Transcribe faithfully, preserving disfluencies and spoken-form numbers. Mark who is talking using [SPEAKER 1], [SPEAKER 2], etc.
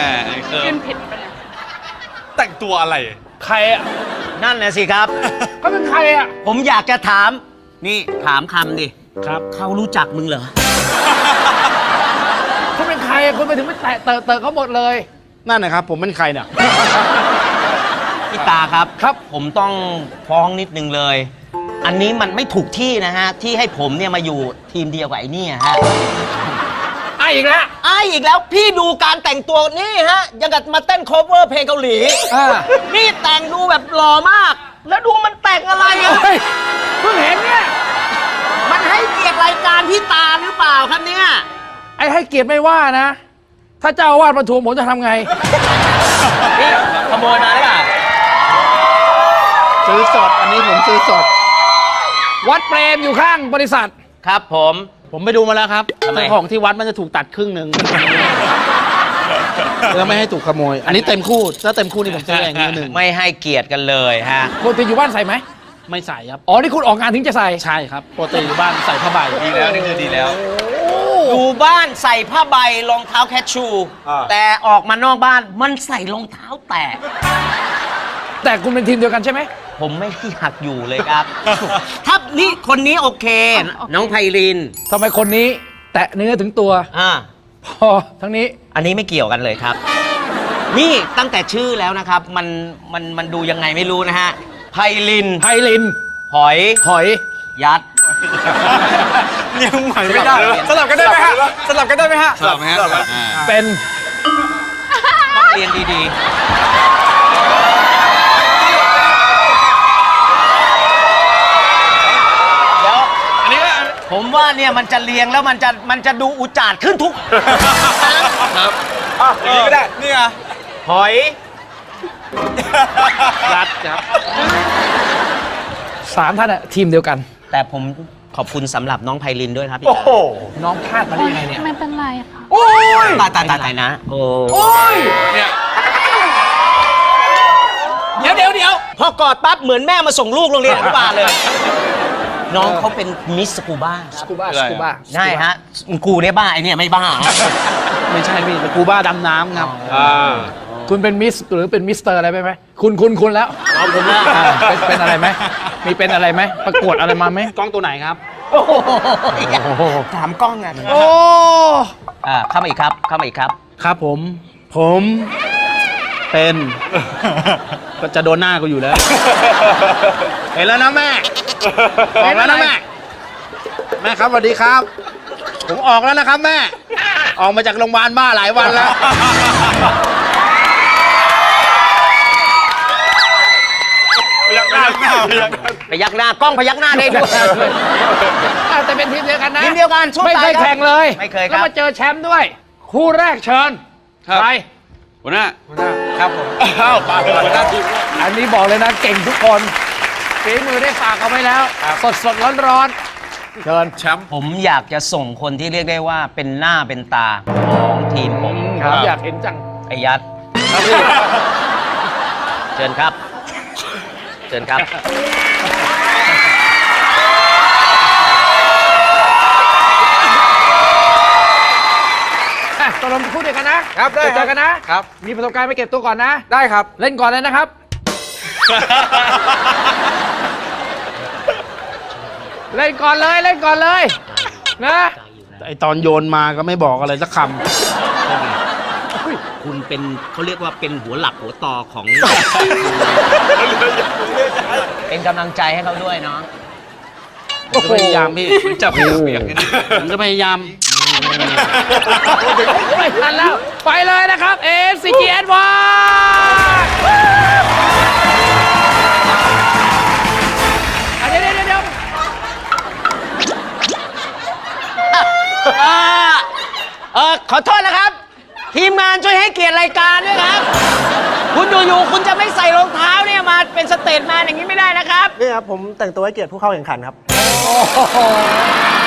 [SPEAKER 1] ขึ้นผิดไปเลย
[SPEAKER 2] แต่งตัวอะไร
[SPEAKER 3] ใครอ่ะ
[SPEAKER 4] นั่นนะสิครับ
[SPEAKER 3] เขาเป็นใครอ่ะ
[SPEAKER 4] ผมอยากจะถามนี่ถามคำดิ
[SPEAKER 3] ครับ
[SPEAKER 4] เขารู้จักมึงเหรอ
[SPEAKER 3] เขาเป็นใครคุณไปถึงไม่แตะเตะเตะเขาหมดเลยนั่นนะครับผมเป็นใครเนี่ย
[SPEAKER 4] พี่ตาครับครับผมต้องฟ้องนิดนึงเลยอันนี้มันไม่ถูกที่นะฮะที่ให้ผมเนี่ยมาอยู่ทีมเดียวกับไอ้นี่ฮะ
[SPEAKER 3] ไอ้อีกแล้ว
[SPEAKER 4] ไอ้อีกแล้วพี่ดูการแต่งตัวนี่ฮะยังกับมาเต้นโคเวอร์เพลงเกาหลีนี่แต่งดูแบบหล่อมากแล้วดูมันแต่งอะไรอ่ะ
[SPEAKER 3] เพิ่งเห็นเนี่ย
[SPEAKER 4] มันให้เกียรติรายการพี่ตาหรือเปล่าครับเนี่ย
[SPEAKER 3] ไอ้ให้เกียรติไม่ว่านะถ้าเจ้าอาวาสมาทวงผมจะทำไง
[SPEAKER 4] นี่ขโมยมาหรือเปล่า
[SPEAKER 3] ซื้อสดอันนี้ผมซื้อสดวัดเปรมอยู่ข้างบริษัท
[SPEAKER 4] ครับผม
[SPEAKER 3] ผมไปดูมาแล้วครับเจ้าของที่วัดมันจะถูกตัดครึ่งหนึ่งเพื่อไม่ให้ถูกขโมยอันนี้เต็มคู่ถ้าเต็มคู่นี่ผมซื้อเองนิดนึง
[SPEAKER 4] ไม่ให้เกียรติกันเลยฮะ
[SPEAKER 3] ปกติอยู่บ้านใส่ไหมไม่ใส่ครับอ๋อนี่คุณออกงานถึงจะใส่ใช่ครับปกติอยู่บ้านใส่ผ้าใบ
[SPEAKER 2] ดีแล้วนี่คือดีแล้ว
[SPEAKER 4] อยู่บ้านใส่ผ้าใบรองเท้าแคชชูแต่ออกมานอกบ้านมันใส่รองเท้าแตะ
[SPEAKER 3] แต่คุณเป็นทีมเดียวกันใช่ไหม
[SPEAKER 4] ผมไม่อยากอยู่เลยครับถ้านี่คนนี้โอเคน้องไพริน
[SPEAKER 3] ทำไมคนนี้แตะเนื้อถึงตัว
[SPEAKER 4] อ่า
[SPEAKER 3] พอทั้งนี้
[SPEAKER 4] อันนี้ไม่เกี่ยวกันเลยครับนี่ตั้งแต่ชื่อแล้วนะครับมันมันมันดูยังไงไม่รู้นะฮะไพริน
[SPEAKER 3] ไพริน
[SPEAKER 4] หอย
[SPEAKER 3] หอย
[SPEAKER 4] ยัด
[SPEAKER 2] ยังใหม่ไม่ได้สลับกันได้ไหมฮะสลับกันได้ไหมฮะสลับไหมฮะ
[SPEAKER 3] เป็น
[SPEAKER 4] นักเรียนดีๆผมว่าเนี่ยมันจะเรียงแล้วมันจะมันจะดูอุจาดขึ้นทุก
[SPEAKER 2] ครับอ่ะอย่างนี้ก็ได้นี่ไง
[SPEAKER 4] หอย
[SPEAKER 3] ยัดครับสามท่านอะทีมเดียวกัน
[SPEAKER 4] แต่ผมขอบคุณสำหรับน้องไพรินด้วยครับพี่
[SPEAKER 3] โอ้โหน้องพลาดมาได้ยังไงเนี่ย
[SPEAKER 1] ไม่เป็นไรค่ะ
[SPEAKER 3] โอ้ย
[SPEAKER 4] ตายตายตายนะโอ้
[SPEAKER 3] ยเนี่ยเดี๋ยวเดี๋ยวเดี๋ยว
[SPEAKER 4] พอกอดปั๊บเหมือนแม่มาส่งลูกโรงเรียนอนุบาลเลยน้องเขาเป็นมิสสกูบ้า
[SPEAKER 3] สกูบ้าสกูบ้า
[SPEAKER 4] ใช่ฮะกูเนี่ยบ้าไอเนี่ยไม่บ้า
[SPEAKER 3] ไม่ใช่พี่สกูบ้าดำน้ำครับคุณเป็นมิสหรือเป็นมิสเตอร์อะไรไหมคุณคุณคุณแล้ว
[SPEAKER 4] เอาผมแล้ว
[SPEAKER 3] เป็นอะไรไหมมีเป็นอะไรไหมประกวดอะไรมาไหมกล้องตัวไหนครับ
[SPEAKER 4] ถามกล้องไง
[SPEAKER 3] โอ้
[SPEAKER 4] อ่าเข้ามาอีกครับเข้ามาอีกครับ
[SPEAKER 3] ครับผมผมเป็นก็จะโดนหน้ากูอยู่แล้วเห็นแล้วนะแม่ออกแล้วนะแม่แม่ครับสวัสดีครับผมออกแล้วนะครับแม่ออกมาจากโรงพยาบาลบ้าหลายวันแล้ว
[SPEAKER 2] พยักหน้า
[SPEAKER 4] พยักหน้ากล้องพยักหน้าได้ด้วย
[SPEAKER 3] แต่เป็นทีมเดียวกันนะ
[SPEAKER 4] ทีมเดียวกัน
[SPEAKER 3] ไม่เคยแข่งเลย
[SPEAKER 4] ไม่เคยครับ
[SPEAKER 3] แล้วมาเจอแชมป์ด้วยคู่แรกเชิญไป
[SPEAKER 2] หัวหน้า
[SPEAKER 3] หัวหน้าครับผม
[SPEAKER 2] อ้าวปากหัวหน้าทีม
[SPEAKER 3] อันนี้บอกเลยนะเก่งทุกคนฝีมือได้ฝากเอาไว้แล้วสดสดร้อนร้อนเชิญ
[SPEAKER 2] แชมป์
[SPEAKER 4] ผมอยากจะส่งคนที่เรียกได้ว่าเป็นหน้าเป็นตาของทีมผม
[SPEAKER 3] ครับอยากเห็นจัง
[SPEAKER 4] ไอ้ยัดเชิญครับเชิญครับ
[SPEAKER 3] ตกลงพูดเดียวกันนะครับได้เจอกันนะครับมีประสบการณ์ไปเก็บตัวก่อนนะ
[SPEAKER 2] ได้ครับ
[SPEAKER 3] เล่นก่อนเลยนะครับเล่นก่อนเลยเล่นก่อนเลยนะไอตอนโยนมาก็ไม่บอกอะไรสักค
[SPEAKER 4] ำคุณเป็นเขาเรียกว่าเป็นหัวหลักหัวต่อของเป็นกำลังใจให้เขาด้วยเนาะ
[SPEAKER 3] ผมจะพยายามพี่
[SPEAKER 2] จะพยายาม
[SPEAKER 3] ผมจะพยายามไม่ทันแล้วไปเลยนะครับ เอ ซี จี เอส วันเดี๋ยวเดี๋ยวเดี๋ยว
[SPEAKER 4] เออขอโทษนะครับทีมงานช่วยให้เกียรติรายการด้วยครับคุณอยู่ๆคุณจะไม่ใส่รองเท้าเนี่ยมาเป็นสเตจแมนอย่างนี้ไม่ได้นะครับ
[SPEAKER 5] นี่ครับผมแต่งตัวให้เกียรติผู้เข้าแข่งขันครับ